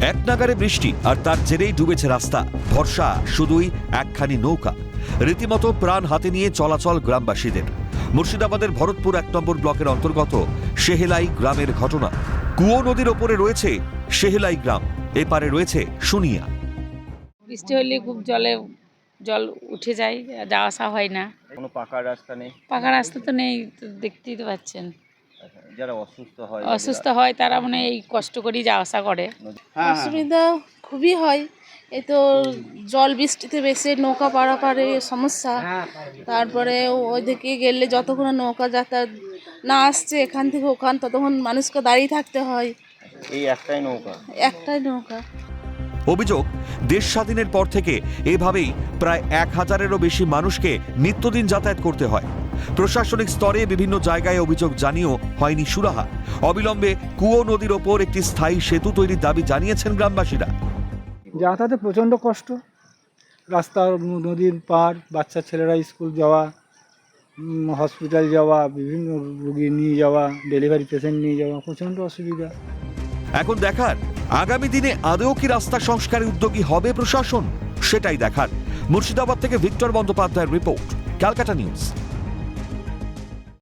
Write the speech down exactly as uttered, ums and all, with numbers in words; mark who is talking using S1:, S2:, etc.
S1: এক নাগারে বৃষ্টি আর তার জেরেই ডুবেছে রাস্তা। ভরসা শুধুই একখানি নৌকা। রীতিমতো প্রাণ হাতে নিয়ে চলাচল গ্রামবাসীদের। মুর্শিদাবাদের ভরতপুর এক নম্বর ব্লকের অন্তর্গত সেহেলাই গ্রামের ঘটনা। কুয়ো নদীর ওপরে রয়েছে সেহেলাই গ্রাম, এপারে রয়েছে শুনিয়া।
S2: বৃষ্টি হলে খুব জলে জল উঠে যায়, যাওয়া আসা হয় না।
S3: কোনো পাকা রাস্তা নেই?
S2: পাকা রাস্তা তো নেই, তো দেখতেই তো পাচ্ছেন।
S3: আচ্ছা, যারা অসুস্থ হয়
S2: অসুস্থ হয় তারা মানে এই কষ্ট করেই যাওয়া আসা করে।
S4: অসুবিধা খুবই হয়। এই তো জল বৃষ্টিতে বেশি নৌকা পারাপারে সমস্যা। তারপরে ওইদিকে গেলে যতক্ষণ নৌকা যাতায়াত না আসছে এখান থেকে ওখান, ততক্ষণ মানুষকে দাঁড়িয়ে থাকতে হয়।
S3: এই একটাই নৌকা?
S4: একটাই নৌকা।
S1: অভিযোগ, দেশ স্বাধীনের পর থেকে এভাবেই প্রায় এক হাজারেরও বেশি মানুষকে নিত্যদিন যাতায়াত করতে হয়। প্রশাসনিক স্তরে বিভিন্ন জায়গায় অভিযোগ জানিয়েও হয়নি সুরাহা। অবিলম্বে কুয়ো নদীর ওপর একটি স্থায়ী সেতু তৈরির দাবি জানিয়েছেন গ্রামবাসীরা।
S5: যাতায়াতে প্রচণ্ড কষ্ট, রাস্তা নদীর পার, বাচ্চা ছেলেরা স্কুল যাওয়া, হসপিটাল যাওয়া, বিভিন্ন রোগী নিয়ে যাওয়া, ডেলিভারি পেশেন্ট নিয়ে যাওয়া, প্রচণ্ড অসুবিধা।
S1: এখন দেখার, আগামী দিনে আদৌ কি রাস্তা সংস্কারে উদ্যোগী হবে প্রশাসন, সেটাই দেখার। মুর্শিদাবাদ থেকে ভিক্টর বন্দ্যোপাধ্যায়ের রিপোর্ট, ক্যালকাটা নিউজ।